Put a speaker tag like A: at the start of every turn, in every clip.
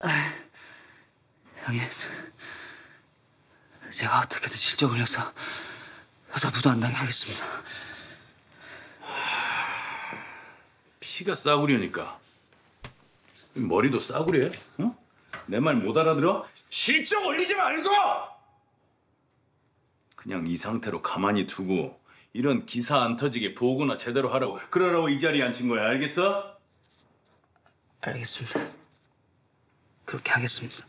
A: 형님, 제가 어떻게든 실적을 내서 여자 부도 안 나게 하겠습니다.
B: 피가 싸구려니까 머리도 싸구려? 어? 내 말 못 알아들어? 실적 올리지 말고! 그냥 이 상태로 가만히 두고 이런 기사 안 터지게 보고나 제대로 하라고 그러라고 이 자리에 앉힌 거야, 알겠어?
A: 알겠습니다. 그렇게 하겠습니다.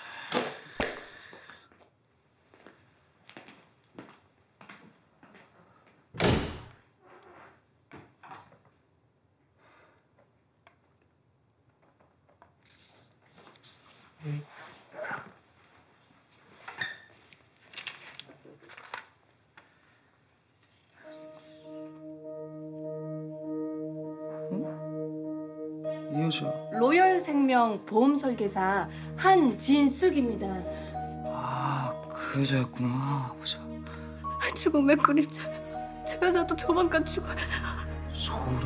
A: 이 여자.
C: 로열생명 보험설계사 한진숙입니다.
A: 아, 그 여자였구나. 보자.
C: 죽음의 그림자. 저 여자도 조만간 죽어.
A: 소름.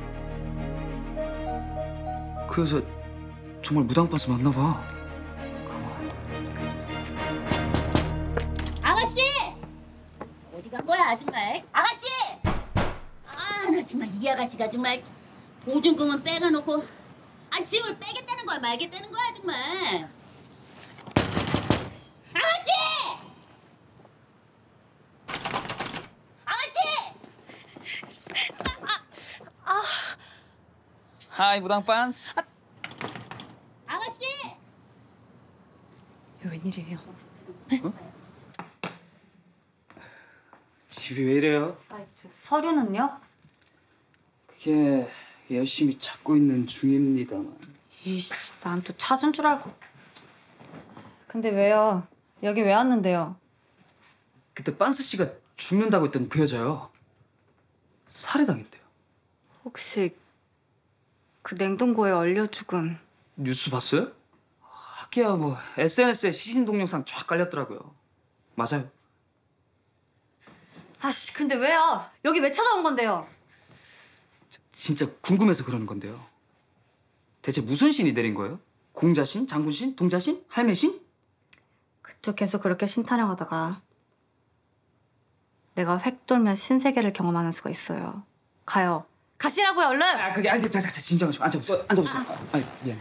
A: 그 여자 정말 무당반스 맞나 봐.
D: 아가씨! 어디 간 거야, 아줌마? 아가씨! 아, 나 정말 이 아가씨가 정말 보증금은 빼가놓고 짐을 빼겠다는 거야, 말겠다는 거야, 정말. 아가씨! 아가씨!
A: 하이, 무당반스.
D: 아가씨!
C: 웬일이에요?
A: 집이 왜 이래요?
C: 서류는요?
A: 그게 열심히 찾고 있는 중입니다만.
E: 이씨, 난 또 찾은 줄 알고. 근데 왜요? 여기 왜 왔는데요?
A: 그때 빤스 씨가 죽는다고 했던 그 여자요. 살해당했대요.
E: 혹시 그 냉동고에 얼려 죽은
A: 뉴스 봤어요? 하기야 뭐 SNS에 시신 동영상 쫙 깔렸더라고요. 맞아요.
E: 아씨, 근데 왜요? 여기 왜 찾아온 건데요?
A: 진짜 궁금해서 그러는 건데요. 대체 무슨 신이 내린 거예요? 공자신? 장군신? 동자신? 할매신?
E: 그쪽 계속 그렇게 신타령하다가 내가 획 돌면 신세계를 경험하는 수가 있어요. 가요. 가시라고요, 얼른!
A: 자, 진정하시고 앉아보세요. 아니, 미안해.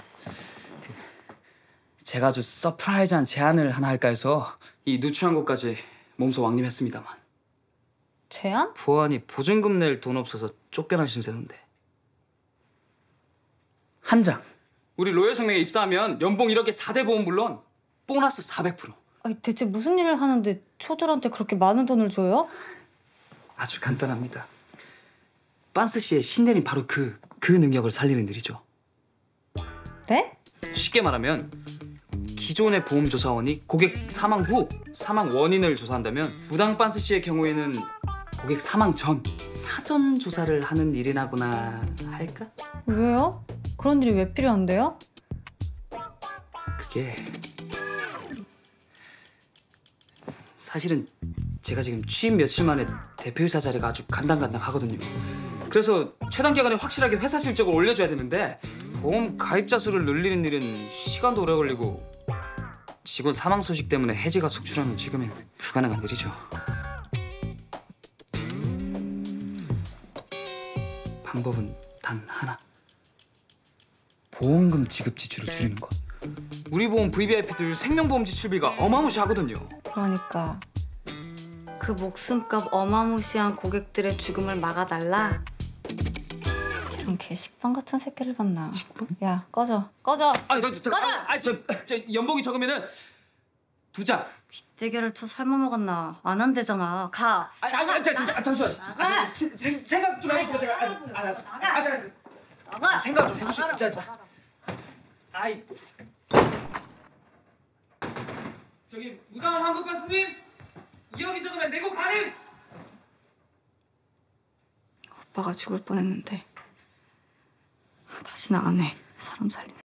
A: 제가 아주 서프라이즈한 제안을 하나 할까 해서 이 누추한 곳까지 몸소 왕림했습니다만
E: 제안?
A: 보안이 보증금 낼 돈 없어서 쫓겨난 신세인데 한 장. 우리 로열생명에 입사하면 연봉 1억에 4대 보험 물론 보너스 400%.
E: 아니, 대체 무슨 일을 하는데 초들한테 그렇게 많은 돈을 줘요?
A: 아주 간단합니다. 빤스 씨의 신내린 바로 그 능력을 살리는 일이죠.
E: 네?
A: 쉽게 말하면 기존의 보험조사원이 고객 사망 후 사망 원인을 조사한다면 무당 빤스 씨의 경우에는 고객 사망 전 사전 조사를 하는 일이라고나 할까?
E: 왜요? 그런 일이 왜 필요한데요?
A: 그게 사실은 제가 지금 취임 며칠 만에 대표이사 자리가 아주 간당간당하거든요. 그래서 최단 기간에 확실하게 회사 실적을 올려줘야 되는데 보험 가입자 수를 늘리는 일은 시간도 오래 걸리고 직원 사망 소식 때문에 해지가 속출하면 지금은 불가능한 일이죠. 방법은 단 하나. 보험금 지급 지출을 줄이는 것. 우리 보험 VVIP들 생명보험 지출비가 어마무시하거든요.
E: 그러니까 그 목숨값 어마무시한 고객들의 죽음을 막아달라? 이런 개식빵 같은 새끼를 봤나?
A: 식빵?
E: 야, 꺼져. 꺼져!
A: 저 연봉이 적으면은 2장.
E: 빗대결을 쳐 삶아 먹었나? 안 한대잖아. 가!
A: 잠시만. 생각 좀 해보세요. 제가.
E: 나가!
A: 생각 좀 해보시죠. 아이. 저기 무당한 황금 가수님 2억이 적으면 내고 가는.
E: 오빠가 죽을 뻔했는데 다시는 안 해. 사람 살리는.